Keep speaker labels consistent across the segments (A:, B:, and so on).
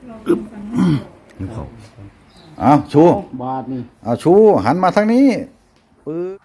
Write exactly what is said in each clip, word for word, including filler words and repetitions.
A: อึ๊บเขาเอาชู
B: บาทนี่
A: เอาชูหันมาทางนี้ปื๊บ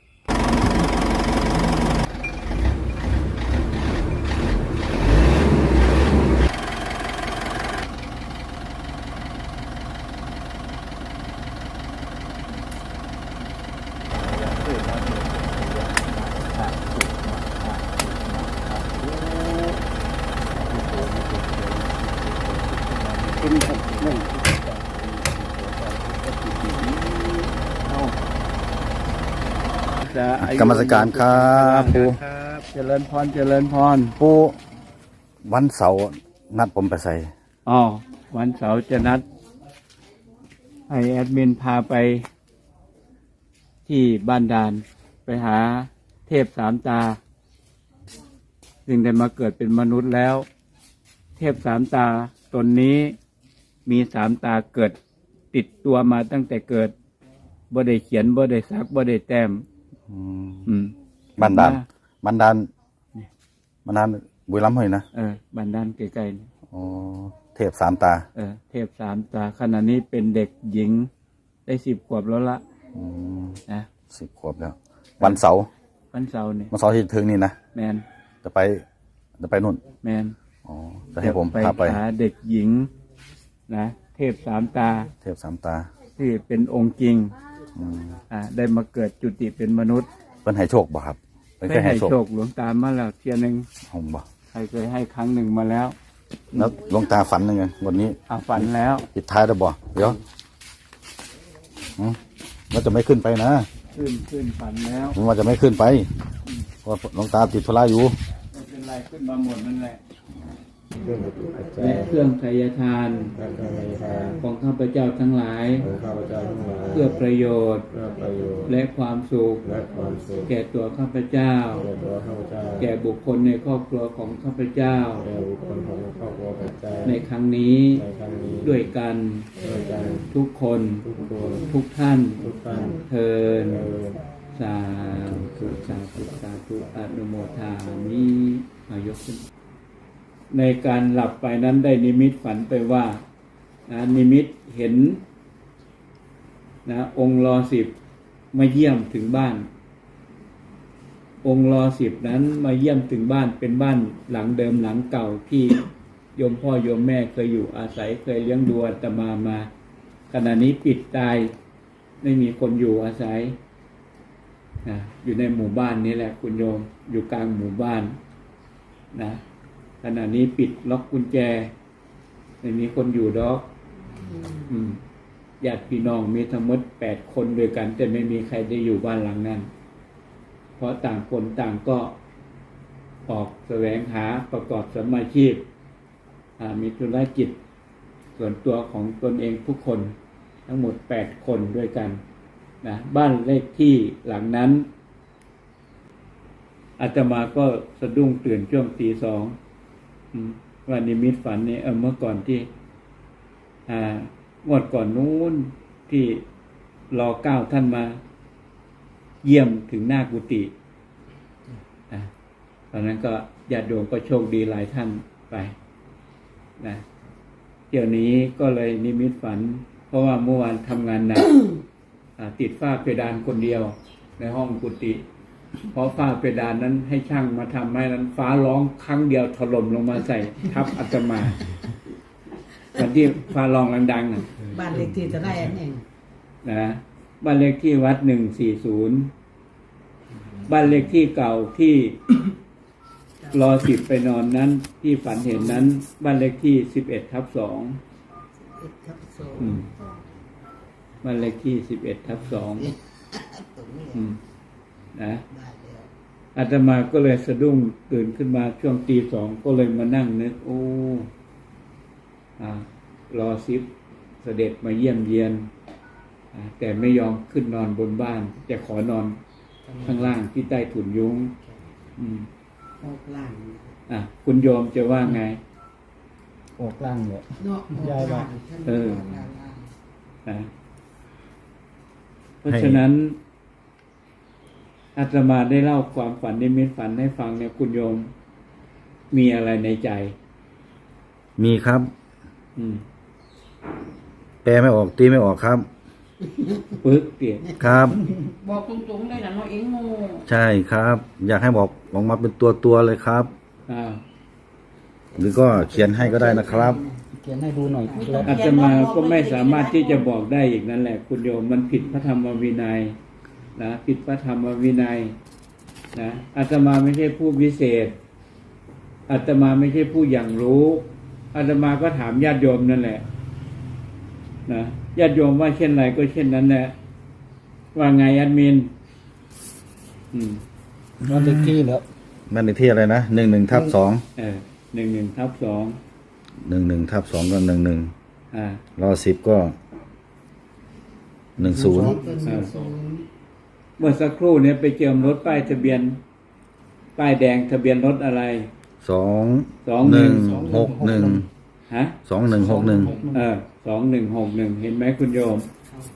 B: เป็นหกหนึ่งเอา
A: กรรมสการครับปู
B: ครับเจริญพรเจริญพร
A: ปูวันเสาร์นัดผมไปใส่
B: อ๋อวันเสาร์จะนัดให้แอดมินพาไปที่บ้านดานไปหาเทพสามตาซึ่งได้มาเกิดเป็นมนุษย์แล้ว เทพสามตาตนนี้มีสามตาเกิดติดตัวมาตั้งแต่เกิดบ่ได้เขียนบ่ได้สักบ่ได้แต้ม
A: อืม
B: อืม
A: บันดาลบันดาลบันดาลบุรีรัมย์เลยนะ
B: เออบ้านดานใกล้ๆนี่
A: อ๋อเทพสามตา
B: เออเทพสามตาขณะนี้เป็นเด็กหญิงได้สิบขวบแล้วละ
A: อืม
B: นะ
A: สิบขวบแล้ว วันเสาร์
B: วันเสาร์นี่
A: วันเสาร์ที่ถึงนี่นะ
B: แมน
A: จะไปจะไปนู่น
B: แมน
A: อ๋อจะให้ผม
B: ไป
A: พาไป
B: หาเด็กหญิงนะเทพสามตา
A: เทพสามตา
B: ที่เป็นองค์จริง
A: อืม
B: อ่าได้มาเกิดจุติเป็นมนุษย์
A: เพิ่นให้โชคบ่ครับเพิ่น
B: ได้
A: เคยให้
B: ให้
A: โชค
B: โชคหลวงตามาแล้วเทียหนึ่ง
A: ผมบ่
B: ใครเคยให้ครั้งหนึ่งมาแล้ว
A: แล้วหลวงตาฝันยังไงวันนี้
B: อาฝันแล้ว
A: ปิดท้ายแล้วบ่เดี๋ยวอืมว่าจะไม่ขึ้นไปนะ
B: ขึ้นขึ้นฝันแล้ว
A: ผมว่าจะไม่ขึ้นไปเพราะหลวงตาติดธุระอยู่
B: ไม่เป็นไรขึ้นมาหมดนั่นแหละ
C: เครื่องประตูปัจจั
B: และ
C: ย
B: เครื่องไสยทาน
C: การทำในทาง
B: ของข้าพเจ้าทั้งหลาย
C: ของข้าพเจ้าทั้งหลาย
B: เพื่อประโยชน์
C: เพื่อประโยชน์
B: และความสุข
C: และความสุข
B: แก่ตัวข้าพเจ้า
C: แก่ตัวข้าพเจ้า
B: แก่บุคคลในครอบครัวของข้าพเจ้า
C: แก่บุคคลของครอบครัวปัจจัย
B: ในครั้งนี้
C: ในครั้งนี้
B: ด้วยกัน
C: ด้วยกัน
B: ทุกคน
C: ทุกคน
B: ทุกท่าน
C: ทุกท่าน
B: เทิน
C: เอ่อ
B: สาธุสาธุสาธุอนุโมทามิอายกขึ้นในการหลับไปนั้นได้นิมิตฝันไปว่านะนิมิตเห็นนะองค์รอสิบมาเยี่ยมถึงบ้าน องค์รอสิบนั้นมาเยี่ยมถึงบ้านเป็นบ้านหลังเดิมหลังเก่าที่โยมพ่อโยมแม่เคยอยู่อาศัยเคยเลี้ยงดูอาตมามาขณะนี้ปิดตายไม่มีคนอยู่อาศัยนะอยู่ในหมู่บ้านนี้แหละคุณโยมอยู่กลางหมู่บ้านนะขณะนี้ปิดล็อกกุญแจไม่มีคนอยู่ดอกอืมญาติพี่น้องมีทั้งหมดแปดคนด้วยกัน แต่ไม่มีใครได้อยู่บ้านหลังนั้นเพราะต่างคนต่างก็ออกแสวงหาประกอบสมมาชีพมีธุรกิจส่วนตัวของตนเองทุกคนทั้งหมดแปดคนด้วยกันนะบ้านเลขที่หลังนั้นอาตมาก็สะดุ้งตื่นช่วงตีสองว่านิมิตฝันนี่เออเมื่อก่อนที่อ่างวดก่อนนู้นที่รอเก้าท่านมาเยี่ยมถึงหน้ากุฏิอ่ะตอนนั้นก็ญาติโยมก็โชคดีหลายท่านไปนะเดี๋ยวนี้ก็เลยนิมิตฝันเพราะว่าเมื่อวานทำงานหนัก ติดฝ้าเพดานคนเดียวในห้องกุฏิเพราะฝ้าเพดานนั้นให้ช่างมาทำให้นั้นฟ้าร้องครั้งเดียวถล่มลงมาใส่ทับอาตมาวันที่ฟ้าร้องดังๆนะ
D: บ้านเลขที่จะได้อันเอง
B: นะบ้านเลขที่วัดหนึ่งสี่ศูนย์บ้านเลขที่เก่าที่รอสิบไปนอนนั้นที่ฝันเห็นนั้นบ้านเลขที่สิบเอ็ดทับสองบ้านเลขที่สิบเอ็ดทับสองนะอาตมาก็เลยสะดุ้งตื่นขึ้นมาช่วงตีสองก็เลยมานั่งนึกโอ้อ่ารอสิบเสด็จมาเยี่ยมเยียนแต่ไม่ยอมขึ้นนอนบนบ้านจะขอนอนข้างล่างที่ใต้ถุนยุ้งอืม
D: ออกล่าง
B: อ่ะคุณโยมจะว่าไง
C: ออกล่างเนี่ย
D: เนาะออกล่าง
B: เออ นะเพราะฉะนั้นอาตมาได้เล่าความฝันนิมิตฝันให้ฟังเนี่ยคุณโยมมีอะไรในใจ
A: มีครับ
B: อืม
A: แปลไม่ออกตีไม่ออกครับ
B: ปึกเตีย
A: ครับ
D: บอกตรงๆได้นะน้องเอ็งโง่
A: ใช่ครับ อยากให้บอกออกมาเป็นตัวตัวๆเลยครับ
B: อ้าว
A: หรือก็เขียนให้ก็ได้นะครับ
C: เขียนให้ดูหน่อยครับ
B: อาตมาก็ไม่สามารถที่จะบอกได้อีกนั่นแหละ คุณโยมมันผิดพระธรรมวินัยนะผิดพระธรรมวินัยนะอาตมาไม่ใช่ผู้วิเศษอาตมาไม่ใช่ผู้อย่างรู้อาตมาก็ถามญาติโยมนั่นแหละนะญาติโยมว่าเช่นไรก็เช่นนั้นแหละว่าไงแอดมินอืม
C: บ้านเลขที่แล้ว
A: บ้านเลขที่อะไรนะหนึ่งหนึ่งทับสอง
B: เออหนึ่งหนึ่งทับสอง
A: หนึ่งหนึ่งทับสองก็หนึ่งหนึ่ง
B: อ่า
A: รอสิบก็หนึ่งศูนย์
D: เป็นศูนย์
B: เมื่อสักครู่เนี่ยไปเจิมรถป้ายทะเบียน ป้ายแดงทะเบียนรถอะไร
A: สอง
B: สอง
A: ห
B: หนึ่
A: นึ่ง
B: ง
A: หกหนึ่ง
B: ฮะ
A: สองหนึ่งหกหนึ่ง
B: เออสองหนึ่งหกหนึ่งเห็นไหมคุณโยม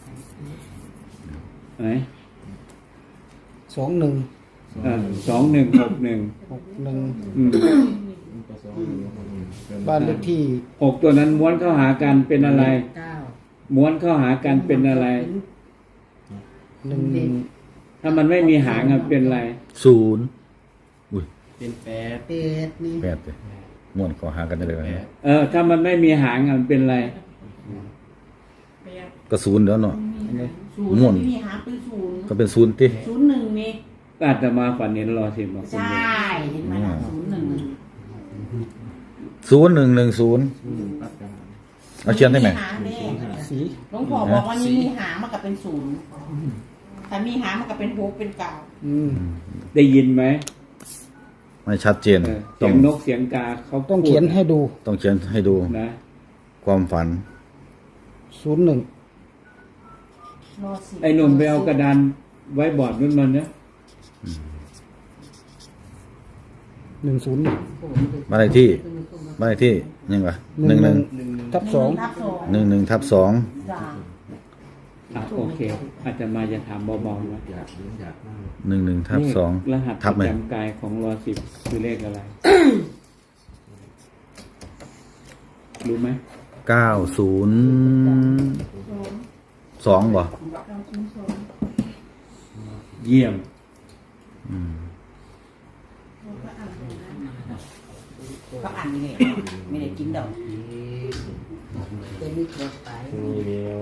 B: ไหน
C: สองหนึ่ง
B: เออสองหนึ่งหกหนึ่ง
C: หกหนึ่ง
B: อืม
C: บ้านเลขที่
B: หกตัวนั้นม้วนเข้าหากันเป็นอะไร
D: เก้า
B: ม้วนเข้าหากันเป็นอะไร
C: หนึ่งหนึ่ง
B: ถ้ามันไม่มีหางอะเป็นอะไร
A: ศูนย์อุ้ย
C: เป็นแปด
D: เป็ดนี่
A: แปดเลยม่วนขอหากันได้เลยนะ
B: เออ ถ้ามันไม่มีหางอะมันเป็นอะไร
A: ก็ศูนย์เดี๋ยวเนาะ
D: ศูนย์
A: ม่วน
D: ไม่มีหาเป็นศูนย์
A: ก็เป็นศูนย์ติ
D: ศูนย์หนึ่งนี่
B: ก็อาจจะมาฝันเห็นรอสิบอกคุณ
D: ใช่
B: โยม
D: เห็นไหมล่ะศูนย์หนึ่ง
A: ศูนย์หนึ่งหนึ่งศูนย์เอาเขียนได้ไหม
D: หาแน่
C: สี
D: หลวงพ่อบอกว่านี่มีหามันก็เป็นศูนย์ถ้ามีหามันก็เป็นหกเป็นเก้า
C: อืม
B: ได้ยินไหม
A: ไม่ชัดเจน
B: เออ
A: ต้
B: เสี
A: อย ง
B: งนกเสียงกาเขา
C: ต้องเขียนให้ดู
A: ต้องเขียนให้ดู
B: นะ
A: ความฝัน
C: ศูนย์หนึ่ง
D: รอสิ
B: ไอ้หนุ่มไปเอากระดานไว้บอร์ดนั่นมันเนี่ย
C: หนึ่งศูนย์
A: บ้านเลขที่บ้านเลขที่ยังไงหนึ่งหนึ่ง
C: ทับสอง
D: ทับสอง
A: หนึ่งหนึ่งทับสอง
D: จ้า
B: อ่ะโอเค อาจจะมาจะถามเบาๆนะ
A: หนึ่งหนึ่งทับสอง
B: เลขรหัสป
A: ทับ
B: ระ
A: ไหม
B: จำกายของรอสิบคือเลขอะไร รู้ไหม
A: เก้าศูนย์สองบ่
B: เยี่ยม
D: ก็อ่านนี่ไม่ได้กินดอกเต็มที่ตัวไป
C: นี่เดียว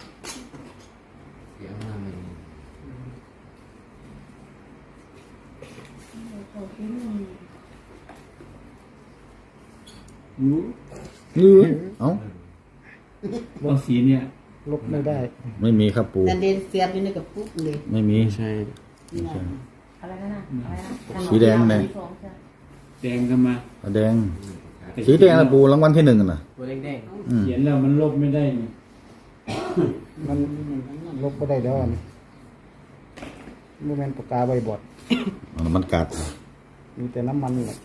B: รู้
A: เอ้า
B: ว่าสีเนี่ย
C: ลบไม่ได้
A: ไม่มีครับปู
D: แต่เดนเสียบอยู่ในกระปุกเลย
A: ไม่มี
C: ใช่
D: นี่นะอะไรกันนะอะไรนะ
A: สีแดงไหน
B: แดงกันมา
A: แดงสีแดงนะปูรางวัลที่หนึ่งน่ะ
C: ตัวแดง
A: อืม
B: เขียนแล้วมันลบไม่ได้นี่
C: ๆมันลบไม่ได้แล้วอันโมเมนต์ปากกาใบบอด
A: เอาน้ำมันกัด
C: มีแต่น้ำมันนี่แหละ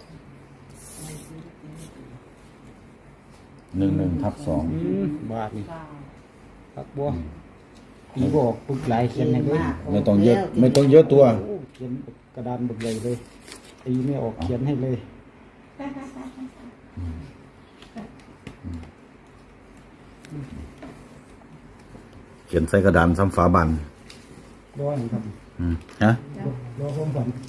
A: หนึ่งหนึ่งทับสอง
C: อืมบาทนี่ปักบัวปีบอกปึกหลายเขียนให้เลย
A: ไม่ต้องเยอะ ไม่ต้องเยอะตัว
C: โอ้เขียนกระดานบึกใหญ่เลยตีไม่ออกเขียนให้เลย
A: เขียนใส่กระดานซ้ำฝาบัน
C: ร้อนครับ
A: อืมฮะ
C: รอความฝัน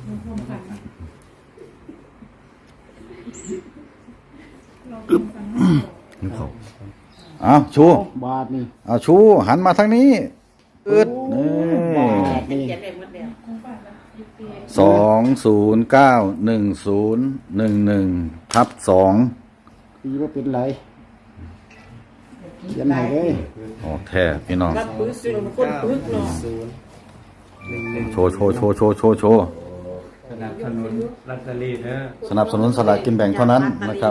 A: นี่เขาเอาชู
C: บาทนี่
A: เอาชู หันมาทางนี้อึดนี่
C: บาทนี่
D: เขียนได้หมดแล้ว
A: สองศูนย์เก้าหนึ่งศูนย์หนึ่งหนึ่งทับสอง
C: ตีว่าเป็นไรเขียนให้เลย
A: ออกแท้พี่น้อง
D: รับปื้อสิคนปื้อเนาะ
A: โชว์โชว์โชว์โชว์โชว์โชว์
B: สนับสนุนลอตเตอรี่นะ
A: สนับสนุนสลากกินแบ่งเท่านั้นนะครับ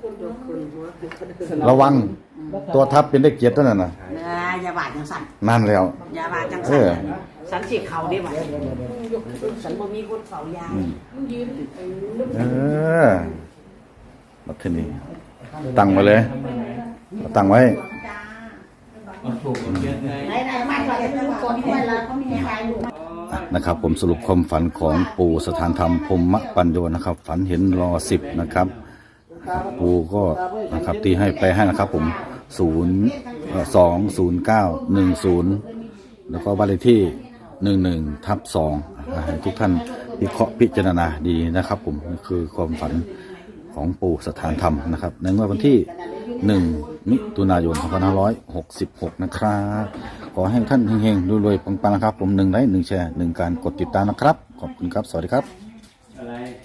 A: ระวังตัวทับเป็นเลขเจ็ดนั่นน่ะ
D: เนื้อยาบาดจังสัน
A: นั่นแล้ว
D: ยาบาดจัง
A: เอ
D: สัน
A: อ
D: สันสิเขาได้ไหมสันบ่มีคนเฝ้ายา
A: เออมาที่นี่ตั้งไว้เลยตั้งไว้
B: เอาถูกเขียนให้
D: ไหนไหนมาก่อนจะรู้คนด้วยแล้วเขามีใครรู้
A: นะครับผมสรุปความฝันของปู่สถานธรรมพรหมปัญโยนะครับ ฝันเห็นรอสิบนะครับปู่ก็นะครับตีให้ไปให้นะครับ ผมศูนย์สองศูนย์เก้าหนึ่งศูนย์แล้วก็บ้านเลขที่หนึ่งหนึ่งทับสองให้ทุกท่านวิเคราะห์พิจารณาดีนะครับผมนี่คือความฝันของปู่สถานธรรมนะครับในงวดวันที่หนึ่งมิถุนายนสองพันห้าร้อยหกสิบหกนะครับขอให้ท่านเฮงๆรวยๆปังๆนะครับผมหนึ่งไลค์หนึ่งแชร์หนึ่งการกดติดตามนะครับขอบคุณครับสวัสดีครับ
B: อะไร